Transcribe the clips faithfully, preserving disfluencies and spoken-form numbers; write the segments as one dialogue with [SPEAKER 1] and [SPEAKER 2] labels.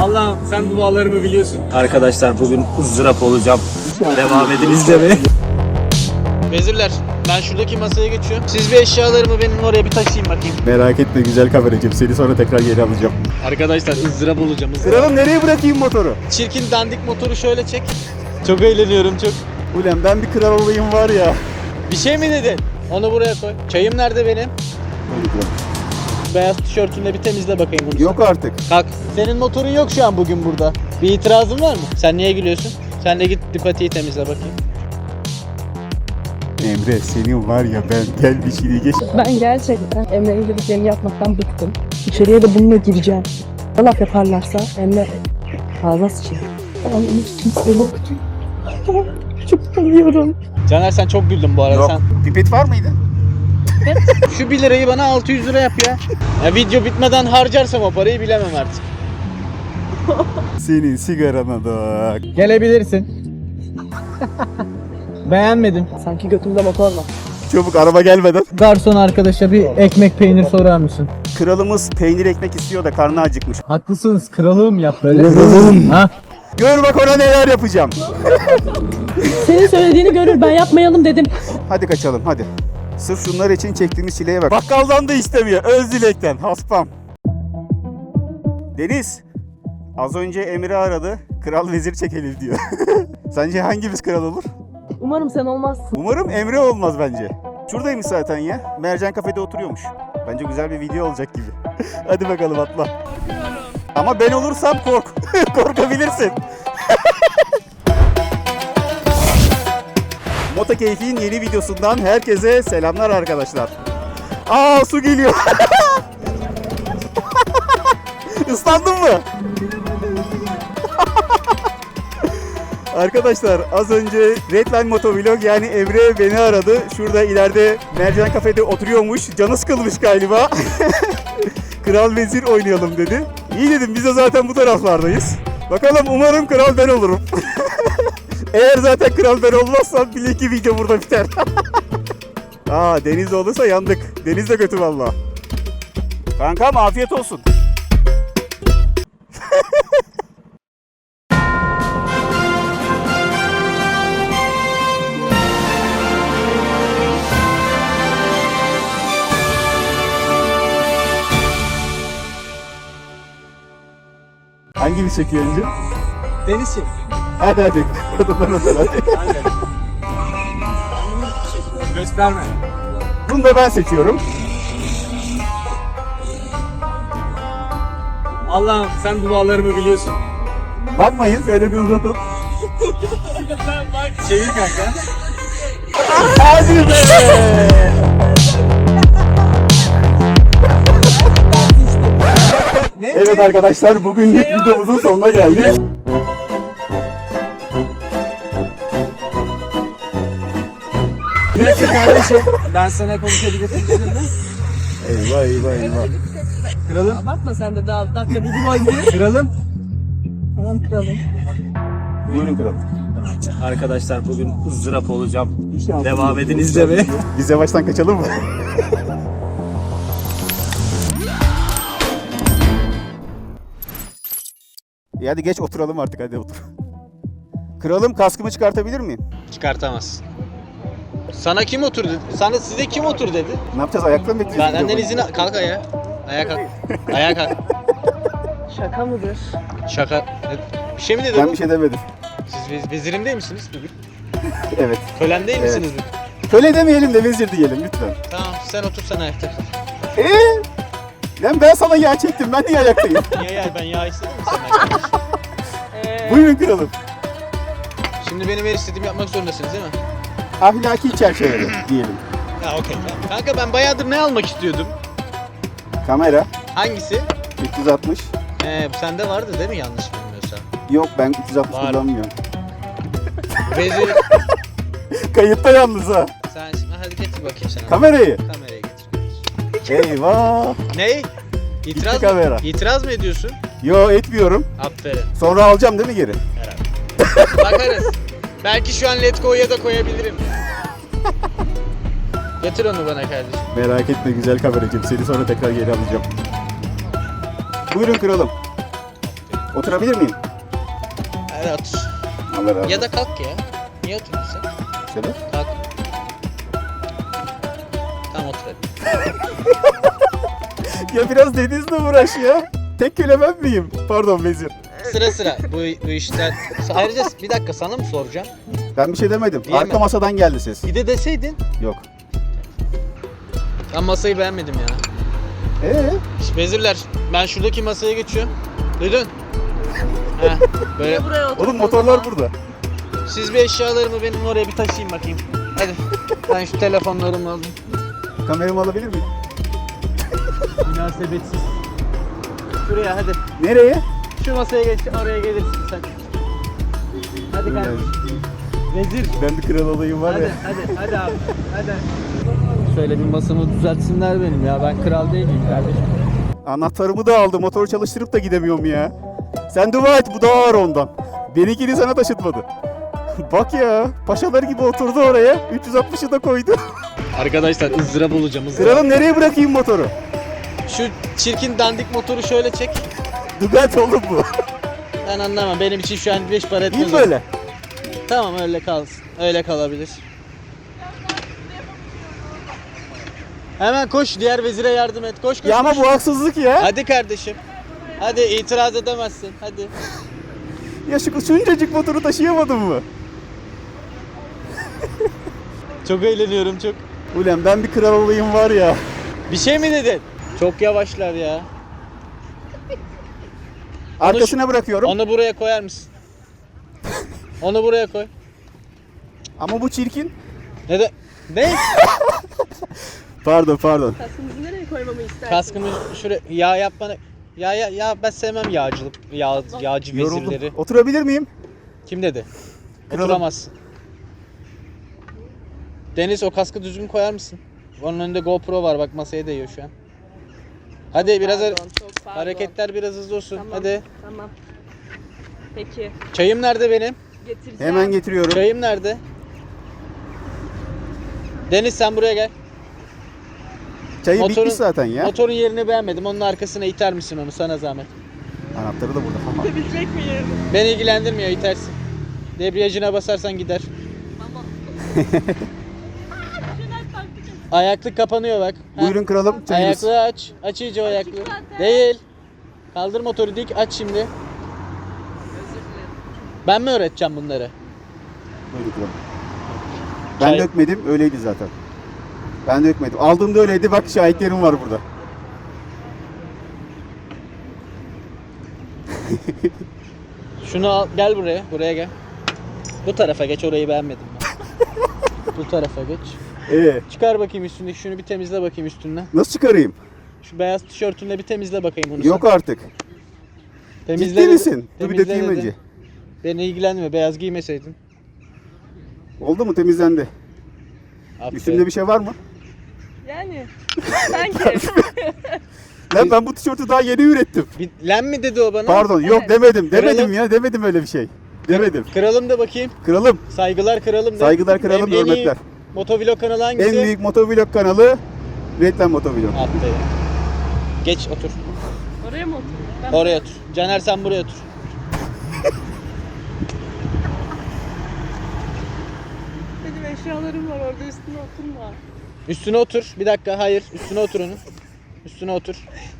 [SPEAKER 1] Allah'ım sen dualarımı biliyorsun. Arkadaşlar bugün ızdırap olacağım. Devam edin izlemeye.
[SPEAKER 2] Vezirler, ben şuradaki masaya geçiyorum. Siz bir eşyalarımı benim oraya bir taşıyın bakayım.
[SPEAKER 3] Merak etme güzel kameracığım, seni sonra tekrar geri alacağım.
[SPEAKER 2] Arkadaşlar ızdırap olacağım. Izdırap.
[SPEAKER 3] Kralım nereye bırakayım motoru?
[SPEAKER 2] Çirkin dandik motoru şöyle çek. Çok eğleniyorum çok.
[SPEAKER 3] Ulan ben bir kral olayım var ya.
[SPEAKER 2] Bir şey mi dedin? Onu buraya koy. Çayım nerede benim? Beyaz tişörtünle bir temizle bakayım bunu.
[SPEAKER 3] Yok artık.
[SPEAKER 2] Kalk. Senin motorun yok şu an bugün burada. Bir itirazın var mı? Sen niye gülüyorsun? Sen de git Ducati'yi temizle bakayım.
[SPEAKER 3] Emre senin var ya, ben gel bir şeyi geç.
[SPEAKER 4] Ben gerçekten Emre'nin dediklerini yapmaktan bıktım. İçeriye de bununla gireceğim. Ne laf yaparlarsa Emre fazla sıçıyor. Ben hiç kimse yok. Çok seviyorum.
[SPEAKER 2] Caner sen çok güldün bu arada.
[SPEAKER 3] Yok.
[SPEAKER 2] Sen
[SPEAKER 3] Pipet var mıydı?
[SPEAKER 2] şu bir lirayı bana altı yüz lira yap ya. Ya video bitmeden harcarsam o parayı bilemem artık.
[SPEAKER 3] Senin sigarana da.
[SPEAKER 2] Gelebilirsin. Beğenmedim.
[SPEAKER 4] Sanki götümde motor var.
[SPEAKER 3] Çabuk araba gelmeden.
[SPEAKER 2] Garson arkadaşa bir ekmek peynir sorar mısın?
[SPEAKER 3] Kralımız peynir ekmek istiyor da karnı acıkmış.
[SPEAKER 2] Haklısınız, kralım yap böyle. Ha?
[SPEAKER 3] Gör bak ona neler yapacağım.
[SPEAKER 4] Senin söylediğini görür, ben yapmayalım dedim.
[SPEAKER 3] Hadi kaçalım hadi. Sırf şunlar için çektiğimiz çileye bak. Bakkaldan da istemiyor. Öz dilekten. Haspam. Deniz. Az önce Emre aradı. Kral vezir çekelim diyor. Sence hangimiz kral olur?
[SPEAKER 4] Umarım sen olmazsın.
[SPEAKER 3] Umarım Emre olmaz bence. Şuradaymış zaten ya. Mercan kafede oturuyormuş. Bence güzel bir video olacak gibi. Hadi bakalım atla. Ama ben olursam kork. Korkabilirsin. Moto Keyfi'nin yeni videosundan herkese selamlar arkadaşlar. Aa su geliyor. Islandın mı? Arkadaşlar az önce Redline Motovlog yani Emre beni aradı. Şurada ileride Mercan Kafede oturuyormuş. Canı sıkılmış galiba. Kral Vezir oynayalım dedi. İyi dedim, biz de zaten bu taraflardayız. Bakalım, umarım kral ben olurum. Eğer zaten kral ben olmazsam bile ki video burada biter. Aa Deniz olursa yandık. Deniz de kötü valla. Kankam afiyet olsun. Hangimiz çekiyor önce?
[SPEAKER 2] Deniz çek.
[SPEAKER 3] Hadi hadi. Hadi hadi hadi.
[SPEAKER 1] Gösterme.
[SPEAKER 3] Bunu da ben seçiyorum.
[SPEAKER 1] Allah'ım sen dualarımı biliyorsun.
[SPEAKER 3] Bakmayın, şöyle bir uzatın.
[SPEAKER 1] Çevir kanka.
[SPEAKER 3] Hadi be! Evet arkadaşlar, bugünlük videomuzun sonuna geldik.
[SPEAKER 1] Neyse kardeşim. Ben sana konuşabilirim.
[SPEAKER 3] Eyvah eyvah eyvah.
[SPEAKER 1] Kralım.
[SPEAKER 4] Abartma sen de daha dakika bir gol gibi.
[SPEAKER 1] Kralım.
[SPEAKER 4] Tamam kralım.
[SPEAKER 3] Buyurun kralım.
[SPEAKER 1] Arkadaşlar bugün ızdırap olacağım. Devam edin izlemeye.
[SPEAKER 3] Biz yavaştan kaçalım mı? İyi hadi geç oturalım artık, hadi otur. Kralım kaskımı çıkartabilir miyim?
[SPEAKER 2] Çıkartamaz. Sana kim otur dedi? Sana size kim otur dedi?
[SPEAKER 3] Ne yapacağız, ayakta mı bekleyeceğiz?
[SPEAKER 2] Benden
[SPEAKER 3] videoyu?
[SPEAKER 2] izin al. Kalk ayağa. Ayağa kalk. Ayağa kalk.
[SPEAKER 4] Şaka mıdır?
[SPEAKER 2] Şaka. Bir şey mi dedi
[SPEAKER 3] Ben
[SPEAKER 2] bu?
[SPEAKER 3] bir şey demedim.
[SPEAKER 2] Siz vez- vezirim değil misiniz bugün?
[SPEAKER 3] Evet.
[SPEAKER 2] Kölen değil
[SPEAKER 3] Evet.
[SPEAKER 2] misiniz bugün?
[SPEAKER 3] Köle demeyelim de vezir diyelim lütfen.
[SPEAKER 2] Tamam sen otur sen ayakta kal.
[SPEAKER 3] Eee? Lan ben sana yağ çektim, ben niye ayaktayım?
[SPEAKER 2] Niye ya ben yağ istedim mi senden?
[SPEAKER 4] Ee,
[SPEAKER 3] Buyurun kralım.
[SPEAKER 2] Şimdi benim her istediğimi yapmak zorundasınız değil mi?
[SPEAKER 3] Ahlaki çerçevede diyelim.
[SPEAKER 2] Ha okey tamam. Kanka ben bayağıdır ne almak istiyordum?
[SPEAKER 3] Kamera
[SPEAKER 2] Hangisi?
[SPEAKER 3] üç yüz altmış.
[SPEAKER 2] He bu sende vardı değil mi yanlış bilmiyorsam?
[SPEAKER 3] Yok, ben üç yüz altmış
[SPEAKER 2] Var.
[SPEAKER 3] kullanmıyorum.
[SPEAKER 2] Vezir.
[SPEAKER 3] Kayıtta yalnız ha.
[SPEAKER 2] Sen şimdi hadi getir bakayım sen.
[SPEAKER 3] Kamerayı.
[SPEAKER 2] Kamerayı getir.
[SPEAKER 3] Eyvah.
[SPEAKER 2] Ney? İtiraz
[SPEAKER 3] Gitti
[SPEAKER 2] mı?
[SPEAKER 3] kamera.
[SPEAKER 2] İtiraz mı ediyorsun?
[SPEAKER 3] Yo, etmiyorum.
[SPEAKER 2] Aferin.
[SPEAKER 3] Sonra alacağım değil mi geri?
[SPEAKER 2] Bakarız. Belki şu an Letgo'ya da koyabilirim. Getir onu bana kardeşim.
[SPEAKER 3] Merak etme güzel kameracığım, seni sonra tekrar geri alacağım. Buyurun kralım. Oturabilir miyim?
[SPEAKER 2] Hadi otur.
[SPEAKER 3] Allah razı olsun.
[SPEAKER 2] Ya da kalk ya. Niye oturuyorsun?
[SPEAKER 3] Şöyle.
[SPEAKER 2] Kalk. Tamam otur hadi.
[SPEAKER 3] Ya biraz dediğinizle uğraş ya. Tek köle ben miyim? Pardon vezir.
[SPEAKER 2] Sıra sıra bu, bu işten. Ayrıca bir dakika sana mı soracağım?
[SPEAKER 3] Ben bir şey demedim.
[SPEAKER 2] Diyemem.
[SPEAKER 3] Arka masadan geldi ses.
[SPEAKER 2] Bir de deseydin.
[SPEAKER 3] Yok.
[SPEAKER 2] Ben masayı beğenmedim ya.
[SPEAKER 3] Ee?
[SPEAKER 2] Vezirler ben şuradaki masaya geçiyorum. Duydun? Heh, böyle.
[SPEAKER 4] Buraya otur.
[SPEAKER 3] Oğlum motorlar burada.
[SPEAKER 2] Siz bir eşyalarımı benim oraya bir taşıyın bakayım. Hadi. Ben şu telefonlarımı alayım.
[SPEAKER 3] Kameramı alabilir miyim?
[SPEAKER 2] Münasebetsiz. Şuraya hadi.
[SPEAKER 3] Nereye?
[SPEAKER 2] Şu masaya geç, oraya gelirsin sen. Hadi kardeşim. Vezir.
[SPEAKER 3] Ben bir kral olayım var
[SPEAKER 2] Hadi,
[SPEAKER 3] ya.
[SPEAKER 2] hadi, hadi abi. Hadi. Şöyle bir masamı düzeltsinler benim ya. Ben kral değilim kardeşim.
[SPEAKER 3] Anahtarımı da aldı. Motoru çalıştırıp da gidemiyorum ya. Sen dua et bu daha ağır ondan. Benimkini sana taşıtmadı. Bak ya. Paşalar gibi oturdu oraya. üç yüz altmışı da koydu.
[SPEAKER 2] Arkadaşlar ızdırap olacağım ızdırap.
[SPEAKER 3] Kralım nereye bırakayım motoru?
[SPEAKER 2] Şu çirkin dandik motoru şöyle çek.
[SPEAKER 3] Dugat oğlum bu.
[SPEAKER 2] Ben anlamam. Benim için şu an beş para etmez.
[SPEAKER 3] İyi böyle.
[SPEAKER 2] Tamam öyle kalsın. Öyle kalabilir. Hemen koş diğer vezire yardım et. Koş koş.
[SPEAKER 3] Ya ama
[SPEAKER 2] koş.
[SPEAKER 3] bu haksızlık ya.
[SPEAKER 2] Hadi kardeşim. Hadi itiraz edemezsin. Hadi.
[SPEAKER 3] Ya şu şuncacık motoru taşıyamadın mı?
[SPEAKER 2] Çok eğleniyorum çok.
[SPEAKER 3] Ulan ben bir kral olayım var ya.
[SPEAKER 2] Bir şey mi dedin? Çok yavaşlar ya.
[SPEAKER 3] Arkasına bırakıyorum.
[SPEAKER 2] Onu buraya koyar mısın? Onu buraya koy.
[SPEAKER 3] Ama bu çirkin.
[SPEAKER 2] Ne de? Ne?
[SPEAKER 3] Pardon pardon.
[SPEAKER 4] Kaskımızı nereye koymamı istersin?
[SPEAKER 2] Kaskımı şuraya yağ yapmanı. Ya ya ya ben sevmem yağcılık. Yağ, yağcı
[SPEAKER 3] Yoruldum.
[SPEAKER 2] vezirleri.
[SPEAKER 3] Oturabilir miyim?
[SPEAKER 2] Kim dedi?
[SPEAKER 3] Kralım.
[SPEAKER 2] Oturamazsın. Deniz o kaskı düzgün koyar mısın? Onun önünde GoPro var bak masaya değiyor şu an. Hadi biraz har-
[SPEAKER 4] Pardon, çok pardon.
[SPEAKER 2] hareketler biraz hızlı olsun.
[SPEAKER 4] Tamam,
[SPEAKER 2] Hadi.
[SPEAKER 4] Tamam. Peki.
[SPEAKER 2] Çayım nerede benim?
[SPEAKER 4] Getireceğim.
[SPEAKER 3] Hemen getiriyorum.
[SPEAKER 2] Çayım nerede? Deniz sen buraya gel.
[SPEAKER 3] Çayı
[SPEAKER 2] Motorun-
[SPEAKER 3] bitmiş zaten ya.
[SPEAKER 2] Motorun yerini beğenmedim. Onun arkasına iter misin onu sana zahmet?
[SPEAKER 3] Anahtarı da burada. Tamam.
[SPEAKER 4] Bitmek mi yerini?
[SPEAKER 2] Beni ilgilendirmiyor itersin. Debriyajına basarsan gider.
[SPEAKER 4] Tamam.
[SPEAKER 2] Ayaklık kapanıyor bak. Ha.
[SPEAKER 3] Buyurun kralım çayınız.
[SPEAKER 2] Ayaklığı aç. Aç iyice o ayaklığı.
[SPEAKER 4] zaten.
[SPEAKER 2] Değil. Kaldır motoru dik aç şimdi.
[SPEAKER 4] Özür dilerim.
[SPEAKER 2] Ben mi öğreteceğim bunları?
[SPEAKER 3] Buyurun kralım. Ben
[SPEAKER 2] Çay-
[SPEAKER 3] dökmedim öyleydi zaten. Ben dökmedim. Aldığımda öyleydi bak şahitlerim var burada.
[SPEAKER 2] Şunu al gel buraya. Buraya gel. Bu tarafa geç orayı beğenmedim ben. Bu tarafa geç.
[SPEAKER 3] Ee,
[SPEAKER 2] Çıkar bakayım üstündeki şunu bir temizle bakayım üstünden.
[SPEAKER 3] nasıl çıkarayım?
[SPEAKER 2] Şu beyaz tişörtünle bir temizle bakayım bunu.
[SPEAKER 3] Yok artık.
[SPEAKER 2] sen.
[SPEAKER 3] Ciddi
[SPEAKER 2] dedi-
[SPEAKER 3] misin? Dur bir
[SPEAKER 2] temizle
[SPEAKER 3] dökeyim
[SPEAKER 2] dedi.
[SPEAKER 3] önce.
[SPEAKER 2] Beni ilgilendirme beyaz giymeseydin.
[SPEAKER 3] Oldu mu temizlendi?
[SPEAKER 2] Aferin.
[SPEAKER 3] Üstümde bir şey var mı?
[SPEAKER 4] Yani. Sanki.
[SPEAKER 3] Lan ben bu tişörtü daha yeni ürettim.
[SPEAKER 2] Bir, len mi dedi o bana?
[SPEAKER 3] Pardon yok
[SPEAKER 4] Evet.
[SPEAKER 3] demedim. Demedim
[SPEAKER 2] Kralım.
[SPEAKER 3] ya demedim öyle bir şey. Demedim.
[SPEAKER 2] Kralım da bakayım.
[SPEAKER 3] Kralım.
[SPEAKER 2] Saygılar kralım da.
[SPEAKER 3] Saygılar kralım,
[SPEAKER 2] En- en iyi
[SPEAKER 3] hürmetler.
[SPEAKER 2] Motovlog kanalı hangisi?
[SPEAKER 3] En büyük motovlog kanalı Redline Motovlog.
[SPEAKER 2] Aferin. Geç otur.
[SPEAKER 4] Oraya mı oturayım? Ben
[SPEAKER 2] Oraya otur. Caner sen buraya otur.
[SPEAKER 4] Benim eşyalarım var orada üstüne oturma.
[SPEAKER 2] Üstüne otur. Bir dakika hayır. Üstüne otur onun. Üstüne otur.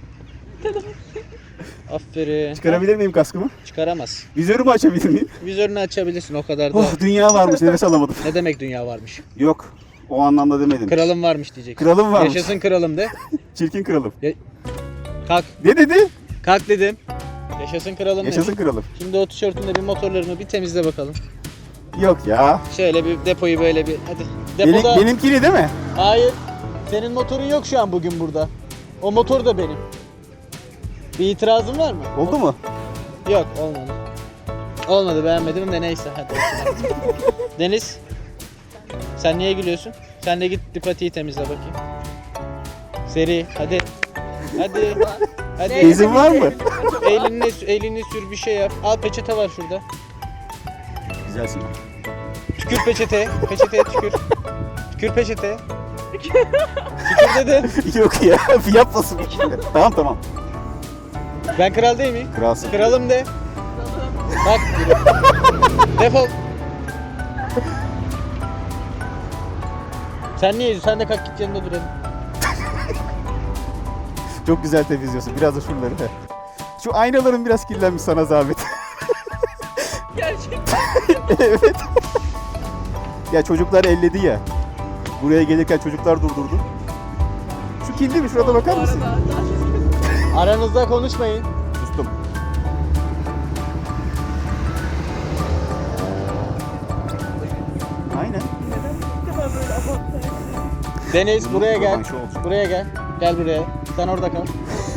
[SPEAKER 2] Aferin.
[SPEAKER 3] Çıkarabilir miyim kaskımı?
[SPEAKER 2] Çıkaramaz.
[SPEAKER 3] Vizörümü açabilir miyim?
[SPEAKER 2] Vizörünü açabilirsin o kadar da.
[SPEAKER 3] Oh dünya varmış nefes alamadım.
[SPEAKER 2] Ne demek dünya varmış?
[SPEAKER 3] Yok o anlamda demedim.
[SPEAKER 2] Kralım varmış diyeceksin.
[SPEAKER 3] Kralım varmış.
[SPEAKER 2] Yaşasın kralım de.
[SPEAKER 3] Çirkin kralım.
[SPEAKER 2] Kalk.
[SPEAKER 3] Ne dedi?
[SPEAKER 2] Kalk dedim. Yaşasın kralım de.
[SPEAKER 3] Yaşasın kralım.
[SPEAKER 2] Şimdi o tişörtünde bir motorlarımı bir temizle bakalım.
[SPEAKER 3] Yok ya.
[SPEAKER 2] Şöyle bir depoyu böyle bir hadi.
[SPEAKER 3] Benim,
[SPEAKER 2] Depoda.
[SPEAKER 3] benimkini değil mi?
[SPEAKER 2] Hayır. Senin motorun yok şu an bugün burada. O motor da benim. Bir itirazın var mı?
[SPEAKER 3] Oldu mu?
[SPEAKER 2] Yok olmadı. Olmadı beğenmedim de neyse hadi. Deniz. Sen niye gülüyorsun? Sen de git dipatiyi temizle bakayım. Seri hadi. Hadi. Hadi.
[SPEAKER 3] İzin var mı?
[SPEAKER 2] Elini, elini sür bir şey yap. Al peçete var şurada.
[SPEAKER 3] Güzelsin.
[SPEAKER 2] Tükür peçeteye. Peçeteye tükür. Tükür peçeteye. Tükür dedim.
[SPEAKER 3] Yok ya yapmasın. Tamam tamam.
[SPEAKER 2] Ben kral değil miyim?
[SPEAKER 3] Kralsın.
[SPEAKER 2] Kralım de. Bak. Defol. Sen niye? Sen de kalk git yanında duralım.
[SPEAKER 3] Çok güzel temizliyorsun. Biraz da şuraları. He. Şu aynaların biraz kirlenmiş, sana zahmet.
[SPEAKER 4] Gerçekten.
[SPEAKER 3] Evet. Ya çocuklar elledi ya. Buraya gelirken çocuklar durdurdu. Şu kirli mi? Şurada bakar mısın?
[SPEAKER 2] Aranızda konuşmayın.
[SPEAKER 3] Sustum. Aynen.
[SPEAKER 2] Deniz buraya gel.
[SPEAKER 3] Rövanşı olacak.
[SPEAKER 2] Buraya gel. Gel buraya. Sen orada kal.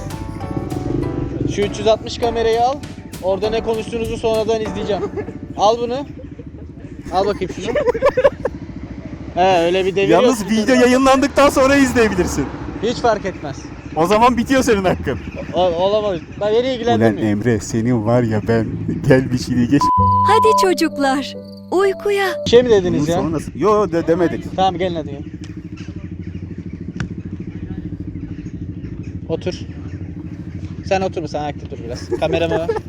[SPEAKER 2] Şu üç yüz altmış kamerayı al. Orada ne konuştuğunuzu sonradan izleyeceğim. Al bunu. Al bakayım şunu. He öyle bir devir
[SPEAKER 3] Yalnız
[SPEAKER 2] yok.
[SPEAKER 3] video yayınlandıktan sonra izleyebilirsin.
[SPEAKER 2] Hiç fark etmez.
[SPEAKER 3] O zaman bitiyor senin hakkın.
[SPEAKER 2] O, olamaz. Ben beni
[SPEAKER 3] Ulan
[SPEAKER 2] ilgilendirmiyor.
[SPEAKER 3] Emre, senin var ya, ben gel bir şeyini geç.
[SPEAKER 5] Hadi çocuklar, uykuya.
[SPEAKER 2] Bir şey mi dediniz
[SPEAKER 3] Bunun
[SPEAKER 2] ya?
[SPEAKER 3] sonu nasıl? Yo yo, de demedik.
[SPEAKER 2] Tamam gelin hadi gel. Otur. Sen otur mu? Sen ayakta dur biraz. Kameramı ver.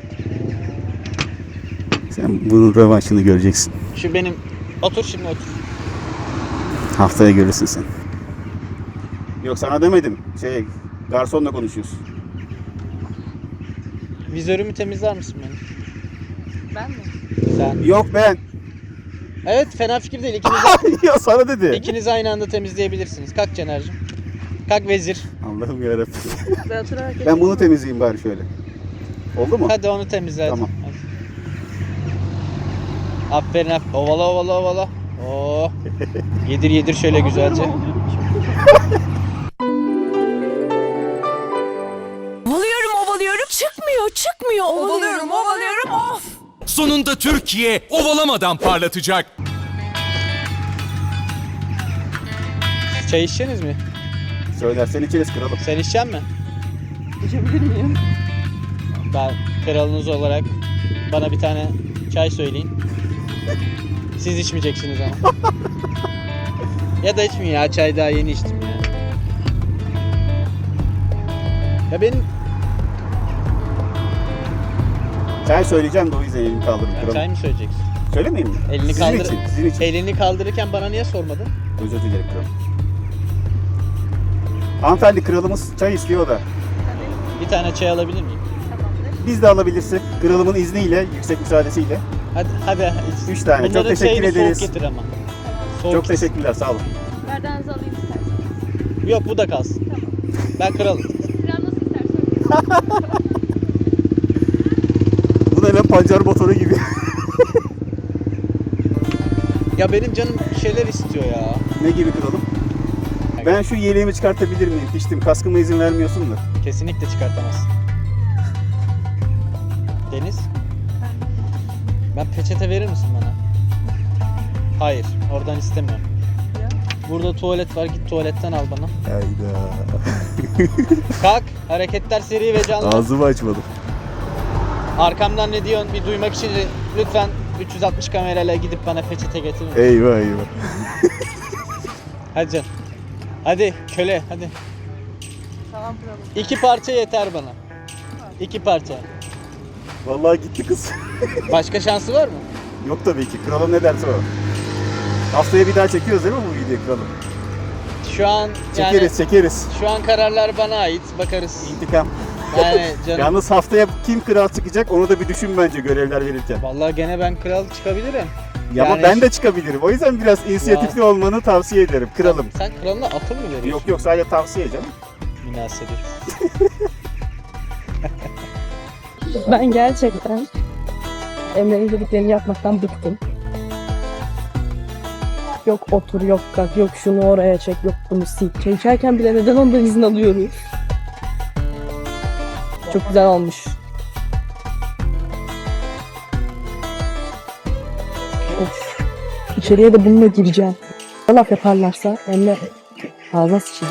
[SPEAKER 3] Sen bunun rövanşını göreceksin.
[SPEAKER 2] Şu benim. Otur şimdi otur.
[SPEAKER 3] Haftaya görürsün sen. Yok, sana demedim. Şey, garsonla konuşuyorsun.
[SPEAKER 2] Vizörümü temizler misin benim?
[SPEAKER 4] Ben mi?
[SPEAKER 2] Sen.
[SPEAKER 3] Yok ben.
[SPEAKER 2] Evet fena fikir değil. İkiniz,
[SPEAKER 3] Ya sana dedi.
[SPEAKER 2] ikiniz aynı anda temizleyebilirsiniz. Kalk Cener'cim. Kalk vezir.
[SPEAKER 3] Allah'ım yarabbim.
[SPEAKER 4] Ben oturarak
[SPEAKER 3] Ben bunu temizleyeyim bari şöyle. Oldu mu?
[SPEAKER 2] Hadi onu temizle hadi.
[SPEAKER 3] Tamam.
[SPEAKER 2] Hadi. Aferin aferin. Ovala ovala ovala. Oo. Yedir yedir şöyle güzelce.
[SPEAKER 5] Ovalıyorum, ovalıyorum. Çıkmıyor, çıkmıyor. Ovalıyorum, ovalıyorum. Of!
[SPEAKER 6] Sonunda Türkiye ovalamadan parlatacak.
[SPEAKER 2] Çay içeceksiniz mi?
[SPEAKER 3] Söylersen içeriz kralım.
[SPEAKER 2] Sen içecek misin?
[SPEAKER 4] geçebilir miyim?
[SPEAKER 2] Ben kralınız olarak bana bir tane çay söyleyin. Siz içmeyeceksiniz ama. Ya da içmeyin ya, çay daha yeni içtim ya. Ya benim
[SPEAKER 3] Çay söyleyeceğim de o yüzden elimi kaldırdım
[SPEAKER 2] ya
[SPEAKER 3] kralım.
[SPEAKER 2] çay mı söyleyeceksin?
[SPEAKER 3] Söylemeyeyim mi?
[SPEAKER 2] Elini
[SPEAKER 3] sizin
[SPEAKER 2] kaldır.
[SPEAKER 3] için, sizin için.
[SPEAKER 2] Elini kaldırırken bana niye sormadın?
[SPEAKER 3] Özür dilerim kralım. Hanımefendi, kralımız çay istiyor da.
[SPEAKER 2] Bir tane çay alabilir miyim?
[SPEAKER 3] Biz de alabilirsek kralımın izniyle, yüksek müsaadesiyle.
[SPEAKER 2] Hadi hadi. iç.
[SPEAKER 3] Üç tane. Çok
[SPEAKER 2] Bunların
[SPEAKER 3] teşekkür
[SPEAKER 2] çayını
[SPEAKER 3] ederiz.
[SPEAKER 2] Soğuk getir ama. Soğuk
[SPEAKER 3] Çok
[SPEAKER 2] getir.
[SPEAKER 3] teşekkürler, sağ olun.
[SPEAKER 7] Bardağınızı alayım isterseniz.
[SPEAKER 2] Yok bu da kalsın. Ben kralım.
[SPEAKER 7] Biraz nasıl istersen.
[SPEAKER 3] Bu da ne, pancar motoru gibi.
[SPEAKER 2] Ya benim canım bir şeyler istiyor ya.
[SPEAKER 3] Ne gibi kralım? Ben şu yeleğimi çıkartabilir miyim? Piştim, kaskıma izin vermiyorsun da.
[SPEAKER 2] Kesinlikle çıkartamazsın. Deniz? Ben peçete verir misin bana? Hayır, oradan istemiyorum. Burada tuvalet var, git tuvaletten al bana.
[SPEAKER 3] Hayda.
[SPEAKER 2] Kalk, hareketler seri ve canlı.
[SPEAKER 3] Ağzımı açmadım.
[SPEAKER 2] Arkamdan ne diyorsun bir duymak için lütfen üç yüz altmış kamerayla gidip bana peçete getirin.
[SPEAKER 3] Eyvah eyvah.
[SPEAKER 2] Hadi canım. Hadi köle hadi.
[SPEAKER 4] Tamam kralım.
[SPEAKER 2] İki parça yeter bana. İki parça.
[SPEAKER 3] Vallahi gitti kız.
[SPEAKER 2] Başka şansı var mı?
[SPEAKER 3] Yok tabii ki. Kralım ne derse o. Haftaya bir daha çekiyoruz değil mi bu videoyu kralım?
[SPEAKER 2] Şu an yani
[SPEAKER 3] Çekeriz çekeriz.
[SPEAKER 2] şu an kararlar bana ait. Bakarız.
[SPEAKER 3] İntikam.
[SPEAKER 2] Yani canım.
[SPEAKER 3] Yalnız haftaya kim kral çıkacak onu da bir düşün bence görevler verirken.
[SPEAKER 2] Vallahi gene ben kral çıkabilirim.
[SPEAKER 3] Ya ama
[SPEAKER 2] Yani-
[SPEAKER 3] ben de çıkabilirim. O yüzden biraz inisiyatifli olmanı tavsiye ederim. Kralım.
[SPEAKER 2] Sen kralına akıl mı veriyorsun?
[SPEAKER 3] Yok yok, sadece tavsiye canım.
[SPEAKER 2] Münasebet.
[SPEAKER 4] Ben gerçekten Emre'nin dediklerini yapmaktan bıktım. Yok otur, yok kalk, yok şunu oraya çek, yok bunu sil. Çay içerken bile neden ondan izin alıyoruz? Çok güzel olmuş. Of. İçeriye de bununla gireceğim. Laf yaparlarsa Emre ağzına sıçayım.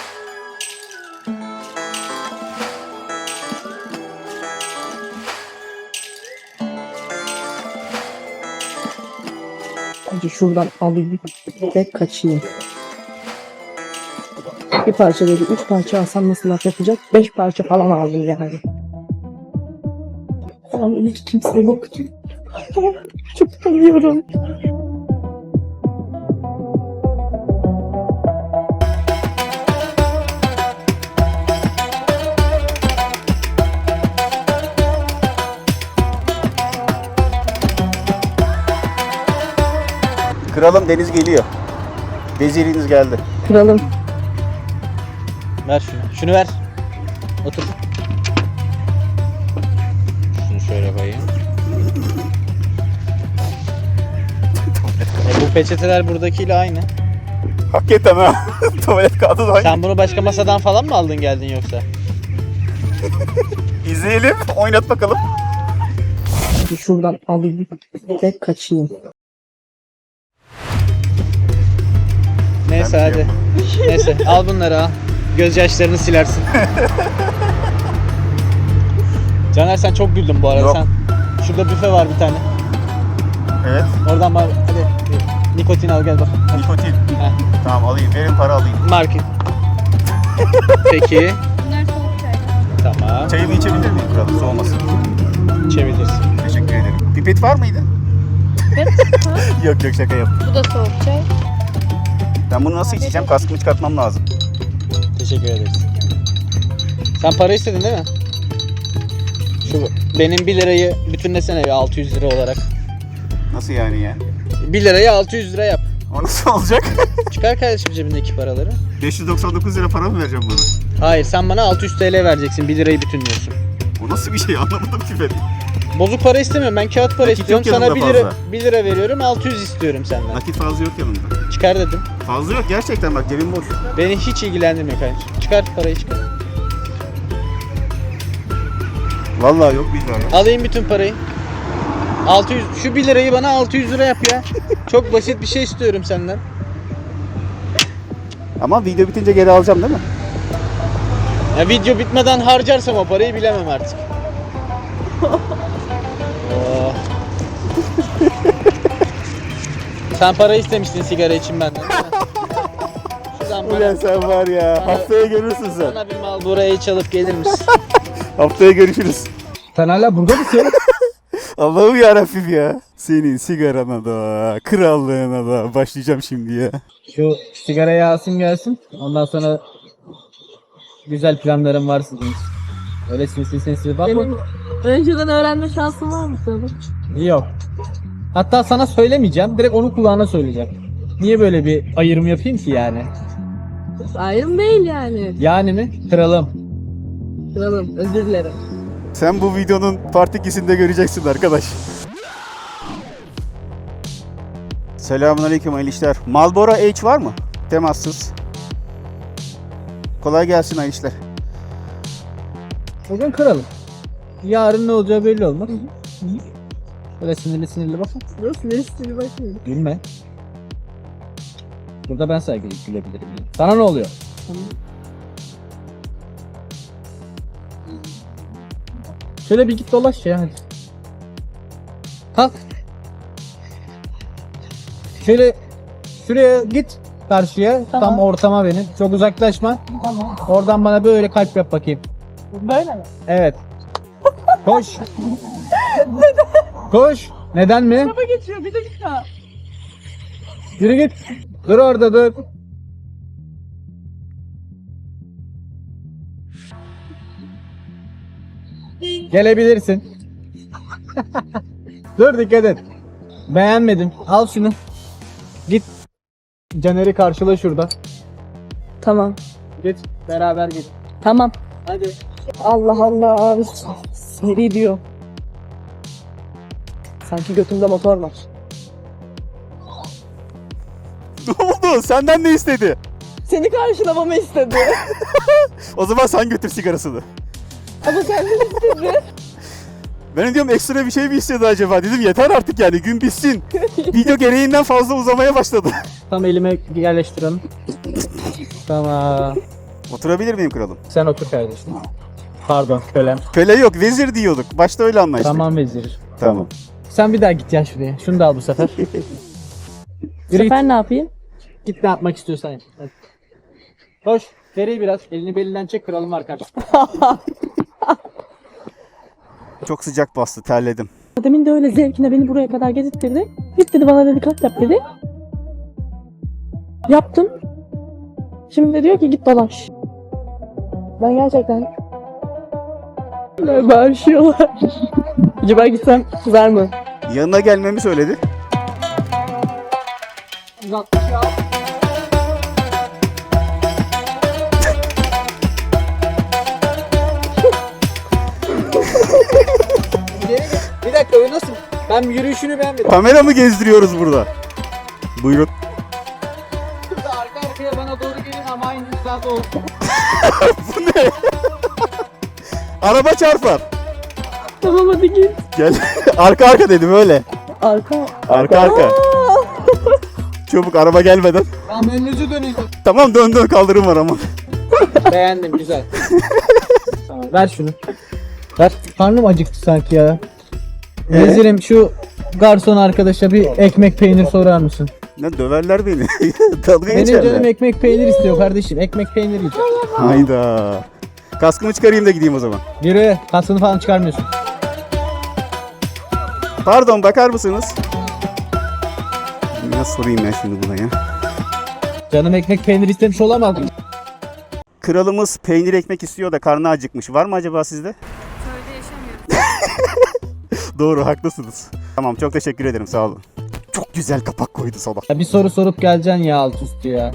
[SPEAKER 4] Önce şuradan alayım ve kaçayım. Bir parça dedi, üç parça alsam nasıl laf yapacak? Beş parça falan aldım yani. Falan hiç kimse yoktu. Çok utanıyorum.
[SPEAKER 3] Kralım Deniz geliyor. Veziriniz geldi.
[SPEAKER 4] Kralım.
[SPEAKER 2] Ver şunu. Şunu ver. Otur. Şunu şöyle koyayım. E bu peçeteler buradakiyle aynı.
[SPEAKER 3] Hakikaten ha. Tuvalet kağıdı da aynı.
[SPEAKER 2] Sen bunu başka masadan falan mı aldın geldin yoksa?
[SPEAKER 3] İzleyelim, oynat bakalım.
[SPEAKER 4] Şuradan alayım ve kaçayım.
[SPEAKER 2] Neyse hadi. Neyse al bunları al. Gözyaşlarını silersin. Caner sen çok güldün bu arada.
[SPEAKER 3] Yok.
[SPEAKER 2] Sen şurada büfe var bir tane.
[SPEAKER 3] Evet,
[SPEAKER 2] Oradan bak hadi nikotin al gel bak.
[SPEAKER 3] nikotin.
[SPEAKER 2] Heh.
[SPEAKER 3] Tamam alayım, verin para alayım.
[SPEAKER 2] Market. Peki.
[SPEAKER 7] Bunlar soğuk çay.
[SPEAKER 2] Tamam.
[SPEAKER 3] Çayımı içebilir miyim kralım, soğumasın?
[SPEAKER 2] İçebilirsin.
[SPEAKER 3] Teşekkür ederim. Pipet var mıydı?
[SPEAKER 7] Evet. Ha?
[SPEAKER 3] Yok yok, şaka yaptım.
[SPEAKER 7] Bu da soğuk çay.
[SPEAKER 3] Ben bunu nasıl içeceğim? Kaskımı çıkartmam lazım.
[SPEAKER 2] Teşekkür ederiz. Sen para istedin değil mi? Şu benim bir lirayı bütünlesene bir altı yüz lira olarak.
[SPEAKER 3] Nasıl yani ya?
[SPEAKER 2] bir lirayı altı yüz lira yap.
[SPEAKER 3] O nasıl olacak?
[SPEAKER 2] Çıkar kardeşim cebindeki paraları.
[SPEAKER 3] beş yüz doksan dokuz lira para mı vereceğim bana?
[SPEAKER 2] Hayır sen bana altı yüz TL vereceksin. bir lirayı bütünlüyorsun.
[SPEAKER 3] O nasıl bir şey, anlamadım ki ben.
[SPEAKER 2] Bozuk para istemiyorum. Ben kağıt para
[SPEAKER 3] Nakit
[SPEAKER 2] istiyorum.
[SPEAKER 3] yok
[SPEAKER 2] Sana
[SPEAKER 3] yanında
[SPEAKER 2] bir lira,
[SPEAKER 3] fazla.
[SPEAKER 2] bir lira veriyorum. altı yüz istiyorum senden.
[SPEAKER 3] Nakit fazla yok yanımda.
[SPEAKER 2] Çıkar dedim.
[SPEAKER 3] Fazla yok gerçekten, bak cebim boş.
[SPEAKER 2] Beni hiç ilgilendirmiyor kardeşim. Çıkar parayı çıkar.
[SPEAKER 3] Vallahi yok billahi yok.
[SPEAKER 2] Alayım bütün parayı. altı yüz şu bir lirayı bana altı yüz lira yap ya. Çok basit bir şey istiyorum senden.
[SPEAKER 3] Ama video bitince geri alacağım değil mi?
[SPEAKER 2] Ya video bitmeden harcarsam o parayı bilemem artık. Oh. Sen para istemiştin sigara için benden değil mi? Şuradan
[SPEAKER 3] Ulan
[SPEAKER 2] bana,
[SPEAKER 3] sen var ya,
[SPEAKER 2] Bana-
[SPEAKER 3] haftaya görürsün sen.
[SPEAKER 2] bana bir Marlboro H çalıp gelir misin?
[SPEAKER 3] Haftaya görüşürüz.
[SPEAKER 2] Sen hala burada mısın?
[SPEAKER 3] Allah'ım yarabbim ya. Senin sigarana da, krallığına da başlayacağım şimdi ya.
[SPEAKER 2] Şu sigarayı alsın gelsin. Ondan sonra güzel planlarım var sizin için. Öyle sinsi sinsi bakma.
[SPEAKER 4] Benim önceden öğrenme şansın var mı senin?
[SPEAKER 2] Yok. Hatta sana söylemeyeceğim. Direkt onun kulağına söyleyeceğim. Niye böyle bir ayrım yapayım ki yani?
[SPEAKER 4] Ayrım değil yani.
[SPEAKER 2] Yani mi? Kralım.
[SPEAKER 4] Kralım özür dilerim.
[SPEAKER 3] Sen bu videonun part ikisinde göreceksin arkadaş. Selamünaleyküm hayırlı işler. Marlboro H var mı? Temassız. Kolay gelsin hayırlı işler.
[SPEAKER 2] Bugün kralım. Yarın ne olacağı belli olmaz. Böyle sinirli sinirli bakma.
[SPEAKER 4] Nasıl nesli bakıyorum.
[SPEAKER 2] Gülme. Burada ben saygılı gülebilirim. Yani. Sana ne oluyor? Şöyle bir git dolaş ya hadi. Kalk. Şöyle şuraya git karşıya.
[SPEAKER 4] Tamam.
[SPEAKER 2] Tam ortama benim. Çok uzaklaşma.
[SPEAKER 4] Tamam.
[SPEAKER 2] Oradan bana böyle kalp yap bakayım.
[SPEAKER 4] Böyle mi?
[SPEAKER 2] Evet. Koş. Koş. Neden mi?
[SPEAKER 4] Araba geçiyor bir dakika.
[SPEAKER 2] Yürü git. Dur orada dur. Gelebilirsin. Dur dikkat et. Beğenmedim. Al şunu. Git. Caner'i karşıla şurada.
[SPEAKER 4] Tamam.
[SPEAKER 2] Git. Beraber git.
[SPEAKER 4] Tamam.
[SPEAKER 2] Hadi.
[SPEAKER 4] Allah Allah abi. Seri diyor. Sanki götümde motor var.
[SPEAKER 3] Ne oldu? Senden ne istedi?
[SPEAKER 4] Seni karşılamamı istedi.
[SPEAKER 3] O zaman sen götür sigarasını.
[SPEAKER 4] Ama kendin istedi.
[SPEAKER 3] Ben diyorum ekstra bir şey mi istedi acaba? Dedim yeter artık yani, gün bitsin. Video gereğinden fazla uzamaya başladı.
[SPEAKER 2] Tam elime yerleştirelim. Tamam.
[SPEAKER 3] Oturabilir miyim kralım?
[SPEAKER 2] Sen otur kardeşim. Pardon kölem.
[SPEAKER 3] Köle yok, vezir diyorduk. Başta öyle anlaştık.
[SPEAKER 2] Tamam vezir.
[SPEAKER 3] Tamam.
[SPEAKER 2] Sen bir daha git ya şuraya. Şunu da al bu sefer.
[SPEAKER 4] Bu
[SPEAKER 2] Yürü git.
[SPEAKER 4] sefer ne yapayım?
[SPEAKER 2] Git ne yapmak istiyorsan yap. Hadi. Koş. Seri biraz. Elini belinden çek, kralım var karşısında.
[SPEAKER 3] çok sıcak bastı, terledim.
[SPEAKER 4] Demin de öyle zevkine beni buraya kadar getirtti. Git dedi bana dedi kalk yap dedi. Yaptım. Şimdi de diyor ki git dolaş. Ben gerçekten... Böyle bağırışıyorlar. Acaba gitsem kızar mı?
[SPEAKER 3] Yanına gelmemi söyledi.
[SPEAKER 2] Bir dakika o nasıl? Ben yürüyüşünü beğenmedim.
[SPEAKER 3] Kamera mı gezdiriyoruz burada? Buyurun.
[SPEAKER 2] Burada arka arkaya bana doğru gelin ama aynı hizada olsun.
[SPEAKER 3] Bu ne? Araba çarpar.
[SPEAKER 4] Tamam hadi git.
[SPEAKER 3] Gel. Arka arka dedim öyle.
[SPEAKER 4] Arka.
[SPEAKER 3] Arka arka. Çabuk araba gelmeden.
[SPEAKER 2] Tamam önünüzü dönün.
[SPEAKER 3] Tamam dön dön kaldırım var ama.
[SPEAKER 2] Beğendim güzel. Ver şunu. Ver. Karnım acıktı sanki ya.
[SPEAKER 3] Ee?
[SPEAKER 2] Vezirim şu garson arkadaşa bir ekmek peynir sorar mısın?
[SPEAKER 3] Ne döverler beni. Dalga
[SPEAKER 2] Benim
[SPEAKER 3] geçerler.
[SPEAKER 2] canım ekmek peynir istiyor kardeşim. Ekmek peynir yiyeceğim.
[SPEAKER 3] Hayda. Kaskımı çıkarayım da gideyim o zaman.
[SPEAKER 2] Yürü. Kaskını falan çıkarmıyorsun.
[SPEAKER 3] Pardon bakar mısınız? Nasıl sorayım ben şimdi buna ya?
[SPEAKER 2] Canım ekmek peynir istemiş olamaz mı?
[SPEAKER 3] Kralımız peynir ekmek istiyor da karnı acıkmış. Var mı acaba sizde?
[SPEAKER 7] Köyde yaşamıyoruz.
[SPEAKER 3] Doğru haklısınız. Tamam çok teşekkür ederim sağ olun. Çok güzel kapak koydu sabah.
[SPEAKER 2] Ya bir soru sorup geleceksin ya alt üstü ya.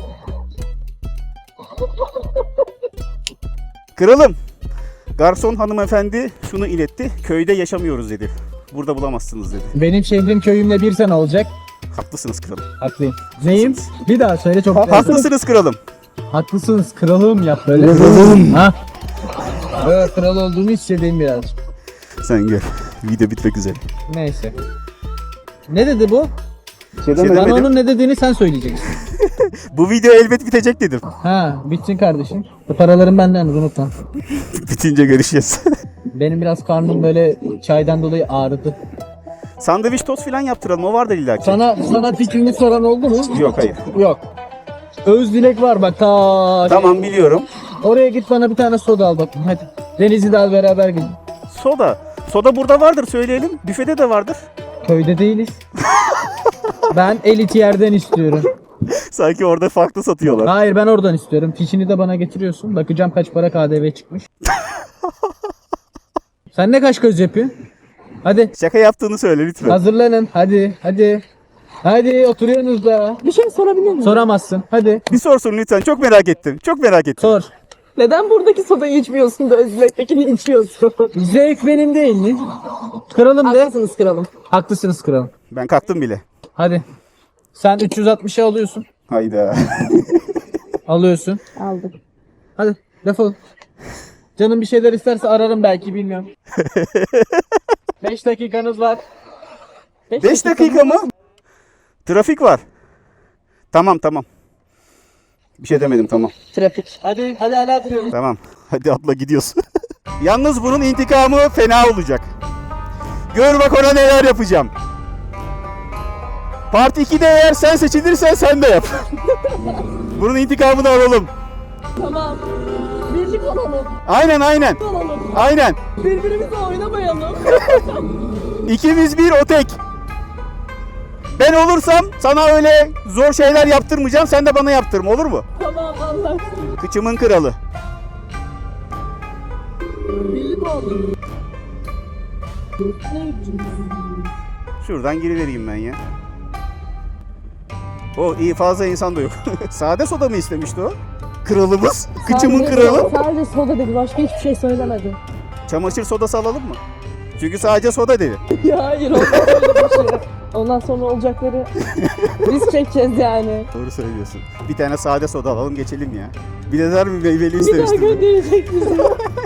[SPEAKER 3] Kralım. Garson hanımefendi şunu iletti. Köyde yaşamıyoruz dedi. Burada bulamazsınız dedi.
[SPEAKER 2] Benim şehrim köyümle bir sene olacak.
[SPEAKER 3] Haklısınız kralım.
[SPEAKER 2] Haklıyım. Neyim? Bir daha söyle çok.
[SPEAKER 3] Ha- haklısınız kralım.
[SPEAKER 2] Haklısınız kralım yap böyle. Kralım. Ha? Evet kral olduğumu hissedeyim biraz.
[SPEAKER 3] Sen gör. Video bitmek üzere.
[SPEAKER 2] Neyse. Ne dedi bu?
[SPEAKER 3] Şey
[SPEAKER 2] Bana
[SPEAKER 3] demedim.
[SPEAKER 2] onun ne dediğini sen söyleyeceksin.
[SPEAKER 3] Bu video elbet bitecek dedim.
[SPEAKER 2] Ha, bitsin kardeşim. Bu paralarım benden unutma.
[SPEAKER 3] Bitince görüşeceğiz.
[SPEAKER 2] Benim biraz karnım böyle çaydan dolayı ağrıdı.
[SPEAKER 3] Sandviç tost falan yaptıralım. O vardır illa ki.
[SPEAKER 2] Sana sana fikrini soran oldu mu?
[SPEAKER 3] Yok hayır.
[SPEAKER 2] Yok. Öz dilek var bak ta.
[SPEAKER 3] Tamam biliyorum.
[SPEAKER 2] Oraya git bana bir tane soda al bakayım hadi. Deniz'i de al beraber gidin.
[SPEAKER 3] Soda. Soda burada vardır söyleyelim. Büfede de vardır.
[SPEAKER 2] Köyde değiliz. Ben elit yerden istiyorum.
[SPEAKER 3] Sanki orada farklı satıyorlar.
[SPEAKER 2] Hayır ben oradan istiyorum. Fişini de bana getiriyorsun. Bakacağım kaç para K D V çıkmış. Sen ne kaş göz yapıyorsun? Hadi
[SPEAKER 3] Şaka yaptığını söyle lütfen.
[SPEAKER 2] hazırlanın. Hadi hadi. Hadi oturuyorsunuz da.
[SPEAKER 4] Bir şey sorabilir miyim?
[SPEAKER 2] Soramazsın. Hadi
[SPEAKER 3] Bir sorsun lütfen. Çok merak ettim. Çok merak ettim.
[SPEAKER 2] sor.
[SPEAKER 4] Neden buradaki sodayı içmiyorsun da Özbek'tekini içiyorsun?
[SPEAKER 2] Zevk benim değil mi? Kralım de.
[SPEAKER 4] Haklısınız kralım.
[SPEAKER 2] Haklısınız kralım.
[SPEAKER 3] Ben kalktım bile.
[SPEAKER 2] Hadi. Sen üç yüz altmışa alıyorsun.
[SPEAKER 3] Hayda.
[SPEAKER 2] Alıyorsun.
[SPEAKER 4] Aldım.
[SPEAKER 2] Hadi defol. Canım bir şeyler isterse ararım belki bilmiyorum. beş dakikanız var.
[SPEAKER 3] beş dakika mı? Trafik var. Tamam tamam. Bir şey demedim tamam.
[SPEAKER 4] Trafik.
[SPEAKER 2] Hadi hadi hala duruyoruz.
[SPEAKER 3] Tamam. Hadi atla gidiyorsun. Yalnız bunun intikamı fena olacak. Gör bak ona neler yapacağım. Part ikide eğer sen seçilirsen sen de yap. Bunun intikamını alalım.
[SPEAKER 4] Tamam. Birlik olalım.
[SPEAKER 3] Aynen aynen.
[SPEAKER 4] Olalım.
[SPEAKER 3] Aynen.
[SPEAKER 4] Birbirimizle oynamayalım.
[SPEAKER 3] İkimiz bir o tek. Ben olursam sana öyle zor şeyler yaptırmayacağım. Sen de bana yaptırma olur mu?
[SPEAKER 4] Tamam anlaştık.
[SPEAKER 3] Kıçımın kralı.
[SPEAKER 4] Birlik olalım.
[SPEAKER 3] Şuradan girivereyim ben ya. O iyi fazla insan da yok. Sade soda mı istemişti o? Kralımız. Kıçımın
[SPEAKER 4] Sadece-
[SPEAKER 3] kralı.
[SPEAKER 4] Sadece soda dedi. Başka hiçbir şey söylemedi.
[SPEAKER 3] Çamaşır sodası alalım mı? Çünkü sadece soda dedi.
[SPEAKER 4] Ya hayır ondan sonra bir şey. Ondan sonra olacakları biz çekeceğiz yani.
[SPEAKER 3] Doğru söylüyorsun. Bir tane sade soda alalım geçelim ya. Bir de der mi meyveli
[SPEAKER 4] Bir daha
[SPEAKER 3] istemiştim.
[SPEAKER 4] gönderecek bizi.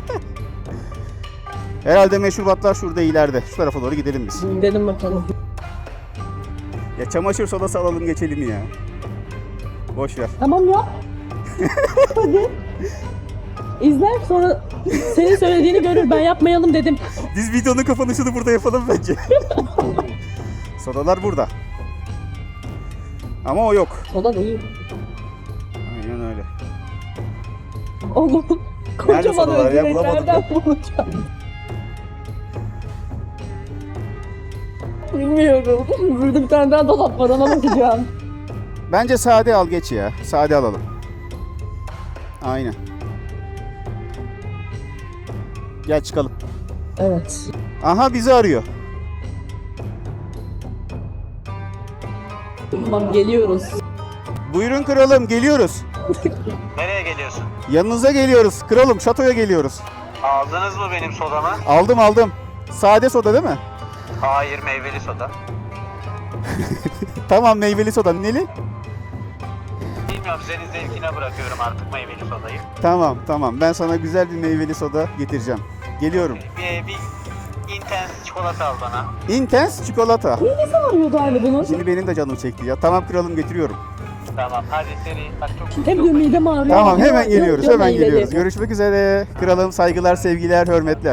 [SPEAKER 3] Herhalde meşrubatlar şurada ileride. Şu tarafa doğru gidelim biz.
[SPEAKER 4] Gidelim bakalım.
[SPEAKER 3] Ya çamaşır sodası alalım geçelim ya. Boş ver.
[SPEAKER 4] Tamam ya. Hadi. İzler sonra senin söylediğini görür. Ben yapmayalım dedim.
[SPEAKER 3] Biz videonun kapanışını burada yapalım bence. Sodalar burada. Ama o yok.
[SPEAKER 4] Soda değil.
[SPEAKER 3] Aynen öyle.
[SPEAKER 4] Oğlum.
[SPEAKER 3] Nerede
[SPEAKER 4] Kocaman
[SPEAKER 3] sodalar ya?
[SPEAKER 4] ödülleri
[SPEAKER 3] Bulamadım
[SPEAKER 4] nereden bulacağım? Bilmiyorum. Burada bir tane daha dolap var, ona bakacağım.
[SPEAKER 3] Bence sade al geç ya. Sade alalım. Aynen. Gel çıkalım.
[SPEAKER 4] Evet.
[SPEAKER 3] Aha bizi arıyor.
[SPEAKER 4] Tamam, geliyoruz.
[SPEAKER 3] Buyurun kralım geliyoruz.
[SPEAKER 1] Nereye geliyorsun?
[SPEAKER 3] Yanınıza geliyoruz. Kralım şatoya geliyoruz.
[SPEAKER 1] Aldınız mı benim sodamı?
[SPEAKER 3] Aldım aldım. Sade soda değil mi?
[SPEAKER 1] Hayır, meyveli soda.
[SPEAKER 3] Tamam meyveli soda. Neli?
[SPEAKER 1] Bilmiyorum, senin zevkine bırakıyorum artık meyveli sodayı.
[SPEAKER 3] Tamam tamam. Ben sana güzel bir meyveli soda getireceğim. Geliyorum.
[SPEAKER 1] Bir, bir intense çikolata al bana.
[SPEAKER 3] Intense çikolata.
[SPEAKER 4] Ne arıyordu abi bunu?
[SPEAKER 3] Şimdi benim de canım çekti ya. Tamam kralım getiriyorum.
[SPEAKER 1] Tamam, hadi seri. Bak çok
[SPEAKER 4] Hem de midem ağrıyor.
[SPEAKER 3] Tamam hemen
[SPEAKER 4] Yok,
[SPEAKER 3] geliyoruz.
[SPEAKER 4] yok,
[SPEAKER 3] Hemen
[SPEAKER 4] meyveli.
[SPEAKER 3] geliyoruz. Görüşmek üzere. Kralım saygılar, sevgiler, hürmetler.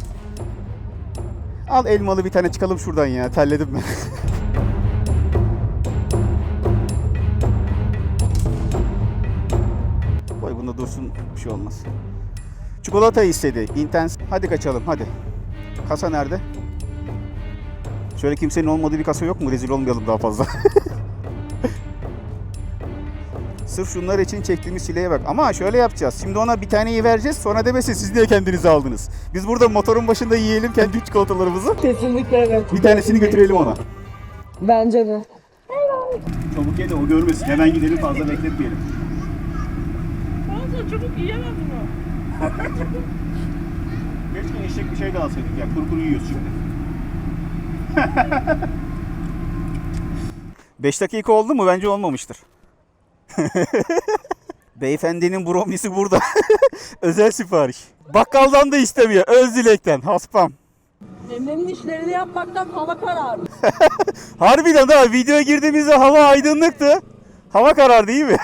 [SPEAKER 3] Al elmalı bir tane çıkalım şuradan ya. Terledim ben. Koy bunda dursun. Bir şey olmaz. Çikolata istedi. Intense. Hadi kaçalım hadi. Kasa nerede? Şöyle kimsenin olmadığı bir kasa yok mu? Rezil olmayalım daha fazla. Sırf şunlar için çektiğimiz çileye bak. Ama şöyle yapacağız. Şimdi ona bir taneyi vereceğiz. Sonra demesin siz niye kendinizi aldınız. Biz burada motorun başında yiyelim kendi çikolatalarımızı.
[SPEAKER 4] Kesinlikle evet.
[SPEAKER 3] Bir tanesini götürelim ona.
[SPEAKER 4] Bence de.
[SPEAKER 3] Çabuk ye de o görmesin. Hemen gidelim fazla bekletmeyelim.
[SPEAKER 4] Fazla çabuk yiyemem bunu.
[SPEAKER 3] Keşke eşek bir şey de alsaydık ya. Kuru kuru yiyoruz şimdi. beş dakika oldu mu? Bence olmamıştır. Beyefendinin bromlisi burada. Özel sipariş. Bakkaldan da istemiyor. Öz dilekten. Haspam.
[SPEAKER 4] Emre'nin işlerini yapmaktan hava karardı.
[SPEAKER 3] Harbiden ha videoya girdiğimizde hava aydınlıktı. Hava karar değil mi?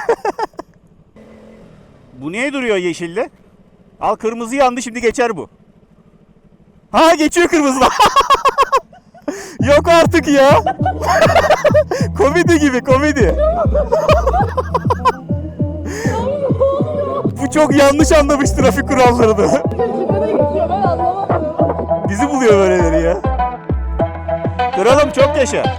[SPEAKER 3] Bu niye duruyor yeşille? Al kırmızı yandı şimdi geçer bu. Ha geçiyor kırmızılar. Yok artık ya. Komedi gibi komedi. Bu çok yanlış anlamış trafik kurallarını.
[SPEAKER 4] Nereye gidiyor ben anlamadım.
[SPEAKER 3] Bizi buluyor böyleleri ya. Kralım çok yaşa.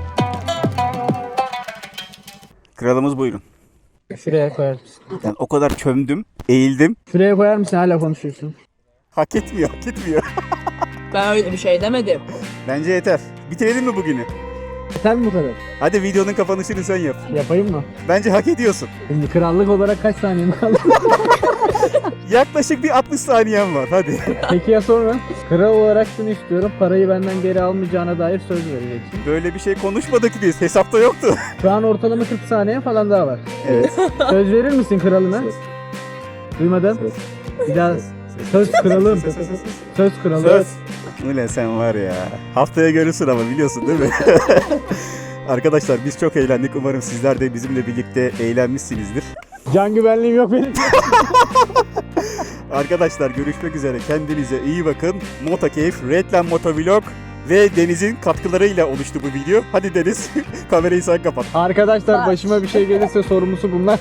[SPEAKER 3] Kralımız buyurun.
[SPEAKER 2] Şuraya koyar mısın?
[SPEAKER 3] Yani o kadar çömdüm, eğildim.
[SPEAKER 2] Şuraya koyar mısın? Hala konuşuyorsun.
[SPEAKER 3] Hak etmiyor, hak etmiyor.
[SPEAKER 4] Ben öyle bir şey demedim.
[SPEAKER 3] Bence yeter. Bitirelim mi bugünü?
[SPEAKER 2] Sen mi bu kadar?
[SPEAKER 3] Hadi videonun kapanışını sen yap.
[SPEAKER 2] Yapayım mı?
[SPEAKER 3] Bence hak ediyorsun.
[SPEAKER 2] Şimdi krallık olarak kaç saniye kaldı?
[SPEAKER 3] Yaklaşık bir altmış saniyen var. Hadi.
[SPEAKER 2] Peki ya sonra? Kral olarak şunu istiyorum. Parayı benden geri almayacağına dair söz vereceksin.
[SPEAKER 3] Böyle bir şey konuşmadık biz. Hesapta yoktu.
[SPEAKER 2] Şu an ortalama kırk saniye falan daha var.
[SPEAKER 3] Evet.
[SPEAKER 2] Söz verir misin kralına? Duymadım. Bir daha söz kralım. Söz kralım.
[SPEAKER 3] Söz. Ulan sen var ya. Haftaya görürsün ama biliyorsun değil mi? Arkadaşlar biz çok eğlendik. Umarım sizler de bizimle birlikte eğlenmişsinizdir.
[SPEAKER 2] Can güvenliğim yok benim.
[SPEAKER 3] Arkadaşlar görüşmek üzere. Kendinize iyi bakın. Motokeyf, Redland Motovlog ve Deniz'in katkılarıyla oluştu bu video. Hadi Deniz, kamerayı sen kapat.
[SPEAKER 2] Arkadaşlar başıma bir şey gelirse sorumlusu bunlar.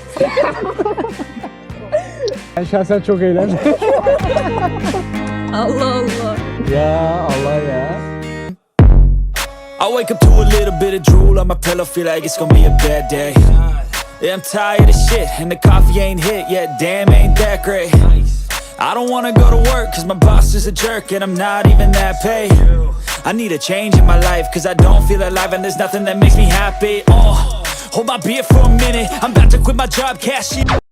[SPEAKER 2] Ben şahsen çok eğlendim.
[SPEAKER 4] Allah Allah.
[SPEAKER 2] Ya Allah ya.
[SPEAKER 8] I wake up to a little bit of drool on my pillow, feel like it's gonna be a bad day. Yeah, I'm tired of shit, and the coffee ain't hit yet, damn, ain't that great. I don't wanna go to work, cause my boss is a jerk, and I'm not even that paid. I need a change in my life, cause I don't feel alive, and there's nothing that makes me happy. Oh, hold my beer for a minute, I'm about to quit my job, cash it.